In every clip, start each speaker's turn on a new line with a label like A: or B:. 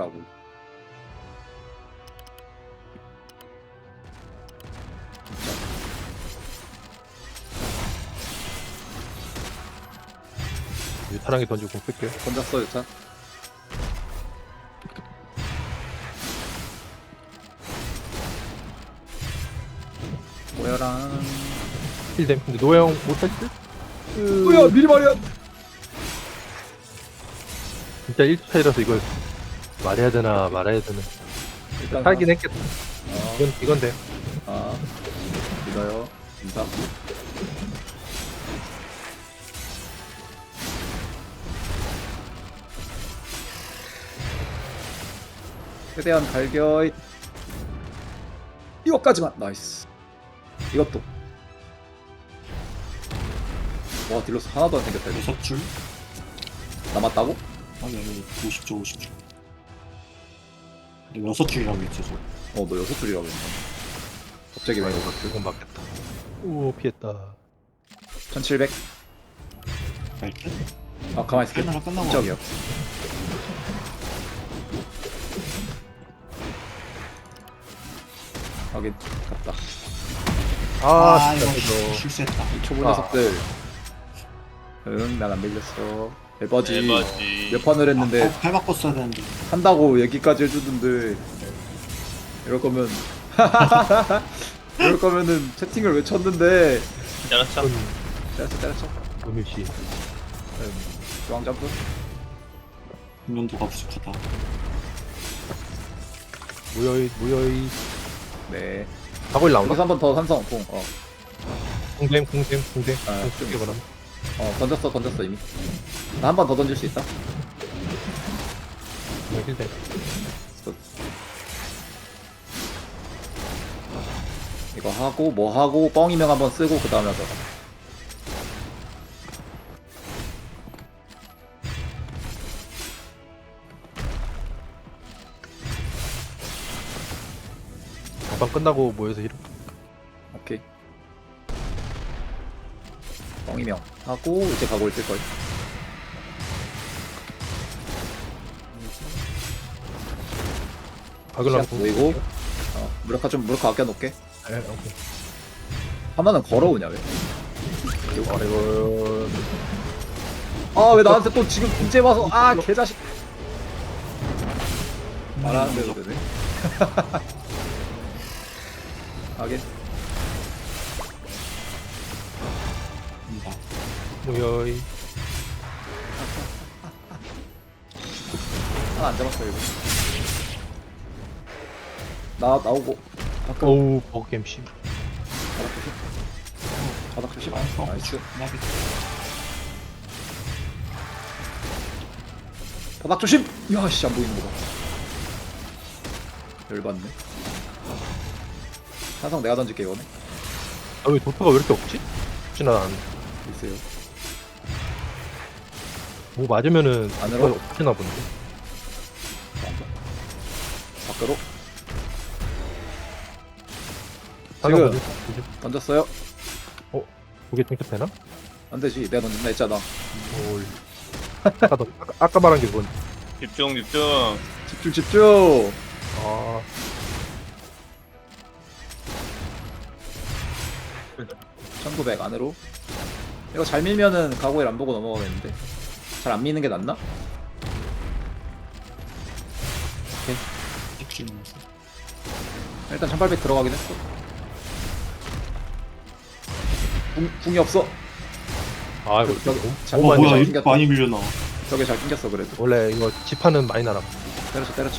A: 해보려고.
B: 유타랑이 던지고 끌게요.
A: 던졌어 유타. 모여랑.
B: 힐댐. 근데 노예형 못할 듯?
A: 뭐야 미리 말이야.
B: 진짜 1차이라서 이걸 말해야 되나 말아야 되나.
A: 일단
B: 살긴 했겠다.
A: 어,
B: 이건 돼.
A: 아 믿어요. 인사. 최대한 갈겨. 이거까지만. 나이스. 이것도. 와 딜로스 하나도 안 생겼다. 이거.
C: 6줄?
A: 남았다고?
C: 아니 50줄 50줄. 근데 6줄이라고 했지 저.
A: 너 6줄이라고 했나? 갑자기 왜 이거?
B: 이건 맞겠다. 오 피했다.
A: 1700.
C: 갈게?
A: 아 가만히 있을게.
C: 하나가 끝나고
A: 저기요. 확인. 갔다.
B: 아
C: 이거
B: 진짜 이거.
C: 실수했다.
A: 이 초보 녀석들. 응, 난 안 밀렸어. 에버지.
D: 에버지.
A: 몇 판을 했는데
C: 팔 바꿨어야 되는데.
A: 한다고 얘기까지 해주던데 이럴 거면 이럴 거면은 채팅을 왜 쳤는데.
D: 잘했어.
A: 때렸어.
B: 음일시.
A: 중앙 점프.
C: 분면도가 부족하다.
B: 무여이.
A: 네.
B: 가골 나온다.
A: 여기서 한 번 더 산성.
B: 궁댐.
A: 아,
B: 쓰게 그럼.
A: 던졌어 이미. 나 한 번 더 던질 수 있다.
B: 힐댐.
A: 이거 하고 뭐 하고 뻥이명 한번 쓰고 그 다음에 하자.
B: 잠깐 끝나고 모여서 힐.
A: 오케이. 뻥이명 하고 이제 가고 있을 거야.
B: 가글
A: 시작 보이고. 무력화 아껴놓게.
B: 네, 오케이.
A: 하나는 걸어오냐 왜?
B: 아이고.
A: 아 왜 나한테 또 지금 이제 와서 개자식. 말하는 대로 되네. 하긴.
B: 무여이.
A: 하나 안 잡았어 이거. 나오고. 바꿔.
B: 어우 버그게임 씨.
A: 바닥 조심. 나이스. 바닥 조심. 야씨 안 보이는 거다. 열받네. 항상 내가 던질게 이거네.
B: 아왜 도트가 왜 이렇게 없지? 혹시나
A: 있어요.
B: 뭐 맞으면은
A: 안으로?
B: 없지나 본데.
A: 밖으로.
B: 하나
A: 지금
B: 보지?
A: 던졌어요.
B: 두개 땡chấp 되나?
A: 안 되지. 내가 던진다 했잖아.
B: 올. 아까 말한 게 그건.
D: 집중.
A: 집중.
B: 아
A: 1900 안으로. 이거 잘 밀면은 가고일 안 보고 넘어가겠는데. 잘 안 미는 게 낫나? 일단 1800 들어가긴 했어. 궁이 없어.
B: 아 이거
A: 저기 잘
C: 어 뭐야
A: 잘
C: 이렇게
A: 튕겼다.
C: 많이 밀려나.
A: 저게 잘 튕겼어 그래도.
B: 원래 이거 지판은 많이 날아.
A: 때렸죠.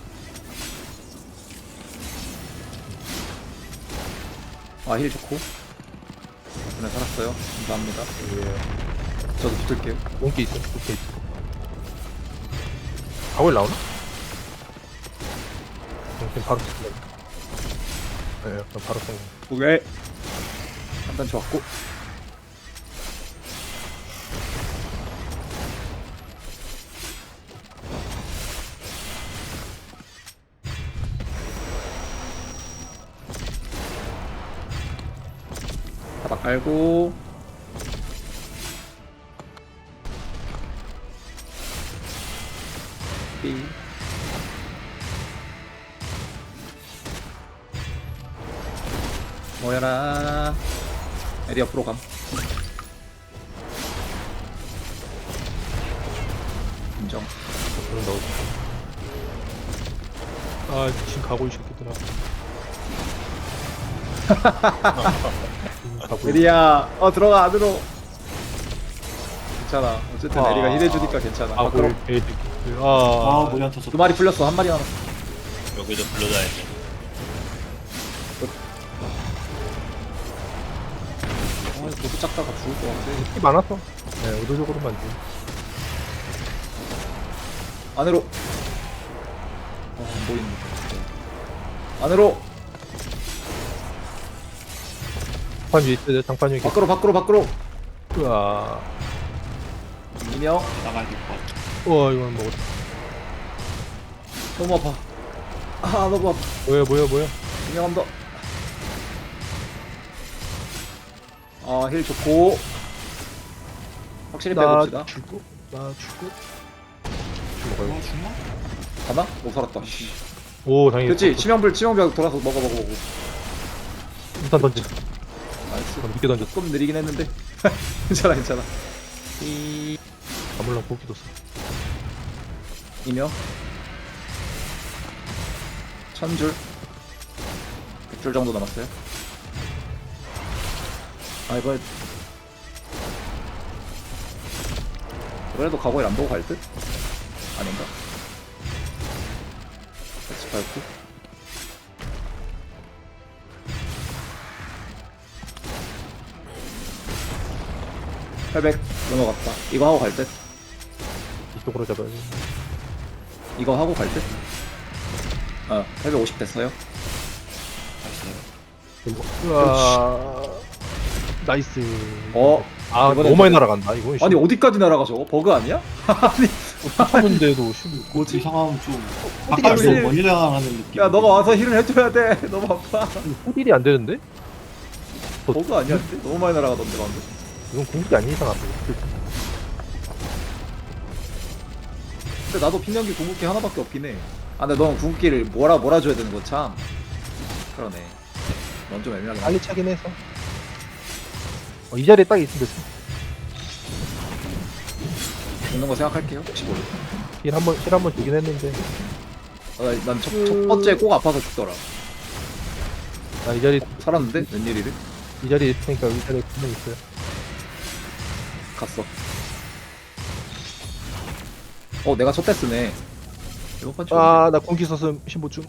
A: 힐 좋고. 덕분에 살았어요. 감사합니다.
B: 예.
A: 저도 붙을게요.
B: 온기 있어. 가골 나오나? 지금 바로 쓰네. 예, 그럼 바로 쓰네.
A: 오케이. 한단 좋았고. 바닥 깔고. 삐. 모여라. 에리 옆으로 감. 인정.
B: 그런 넣어. 아 지금 가고 이 새끼들아. 가고.
A: 에리야, 들어가 안으로. 괜찮아. 어쨌든 에리가 힐해주니까 괜찮아.
B: 아
A: 밖으로.
C: 아 머리 안 터졌다.
A: 두 마리 풀렸어. 한 마리 남았어.
D: 여기도 불러다니지.
A: 너무 작다가 죽을 것 같아.
B: 이 많았어. 네, 의도적으로만 돼.
A: 안으로. 안 보이는. 안으로.
B: 장판 위에 있어야 돼. 장판 위에.
A: 밖으로.
B: 으아.
A: 이명.
C: 나가야 될 것 같아.
B: 우와 이건 먹었다.
A: 너무 아파. 너무 아파.
B: 뭐야.
A: 이명 한 더. 힐 좋고. 확실히 빼봅시다.
B: 죽고.
C: 와 죽나?
A: 가나? 못 살았다.
B: 오 다행이다.
A: 그렇지. 치명벽 돌아서 먹어.
B: 일단 던져.
A: 나이스.
B: 늦게 던졌어.
A: 조금 느리긴 했는데. 괜찮아.
B: 가물랑 고기 뒀어.
A: 이명. 1000줄. 100줄 정도 남았어요. 그래도 과거에 안 보고 갈 듯? 아닌가? 같이 밟고. 800 넘어갔다. 이거 하고 갈 듯?
B: 이쪽으로 잡아야지.
A: 이거 하고 갈 듯? 850 됐어요.
C: 나이스.
B: 나이스.
A: 아, 이번엔
B: 너무 많이 날아간다. 이거
A: 아니 어디까지 날아가 저거? 버그 아니야? 아니
B: 쳤는데도
C: 뭐지 이상하면 좀
A: 어떻게
C: 바깥으로
A: 힐-
C: 멀리 나가는 느낌.
A: 야 너가 와서 힐을 해줘야 돼. 너무 아파.
B: 호딜이 안 되는데?
A: 버그 아니야? 너무 많이 날아가던데 방금.
B: 이건 공격이 아닌 이상 안 돼.
A: 근데 나도 핀연기 궁극기 하나밖에 없긴 해. 근데 넌 궁극기를 몰아줘야 되는 거 참. 그러네. 넌 좀 애매하게.
B: 빨리 차긴 해서. 이 자리에 딱 있으면 됐어.
A: 죽는 거 생각할게요. 혹시 모르.
B: 힐 한번 주긴 했는데.
A: 난 첫 번째 꼭 아파서 죽더라.
B: 나 이 자리
A: 살았는데? 웬일이래?
B: 이 자리에 있으니까 이 자리에 분명 있어요.
A: 갔어. 내가 첫 대 쓰네. 이번 판
B: 나 공기 썼음 신보충.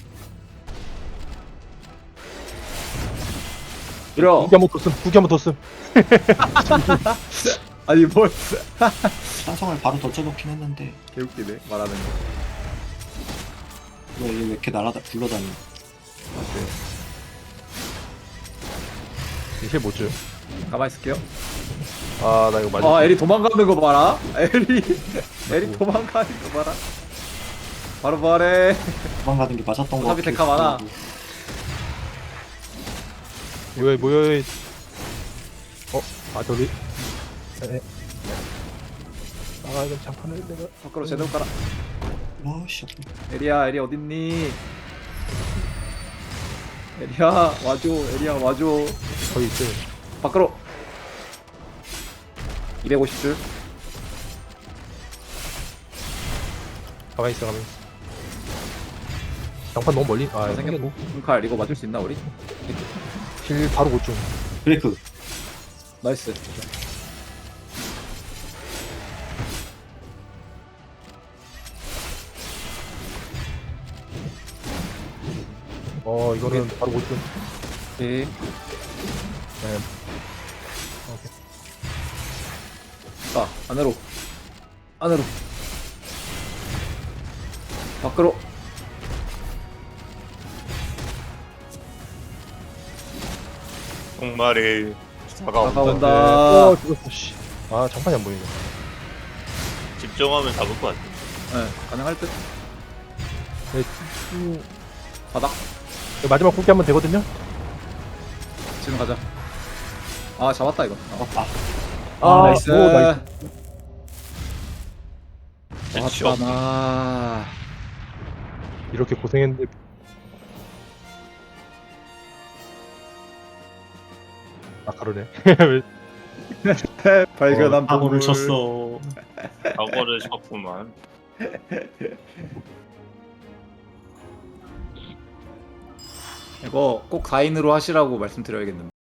A: 이려.
B: 구기 한번 더 쓴.
A: 아니 뭘?
C: 찬성을 바로 던져놓긴 했는데
A: 개웃기네 말하는 거.
C: 왜 이렇게 굴러다니?
B: 힐 못 줘요.
A: 가만 있을게요.
B: 나 이거 맞아.
A: 에리 도망가는 거 봐라. 에리 도망가는 거 봐라. 바로 말해.
C: 도망가는 게 맞았던 거
A: 어차피 데카 많아.
B: 뭐야. 저기. 이건 장판을 내가.
A: 밖으로 제대로 깔아.
C: 와씨.
A: 에리 어딨니? 에리야 와줘.
B: 거기 있어요.
A: 밖으로. 250줄.
B: 가만히 있어. 장판 너무 멀리.
A: 생겼고. 칼 이거 맞을 수 있나 우리?
B: 힐 바로 못 줘.
C: 브레이크.
A: 나이스.
B: 이거는 바로 못 줘.
A: 오케이.
B: 네. 오케이.
A: 안으로. 밖으로.
D: 정말이 다가온다.
A: 다가온다.
B: 죽었어. 씨. 장판이 안 보이네.
D: 집중하면 잡을 것 같아.
A: 네, 가능할 듯.
B: 네,
A: 바닥.
B: 마지막 공기 한번 되거든요.
A: 지금 가자. 잡았다 이거.
C: 나이스.
B: 나이스.
D: 대치
A: 왔잖아.
B: 이렇게 고생했는데 아 그러네.
A: 발견한
C: 사고를
A: 보물.
C: 쳤어.
D: 사고를 쳤구만.
A: 이거 꼭 4인으로 하시라고 말씀드려야겠는데.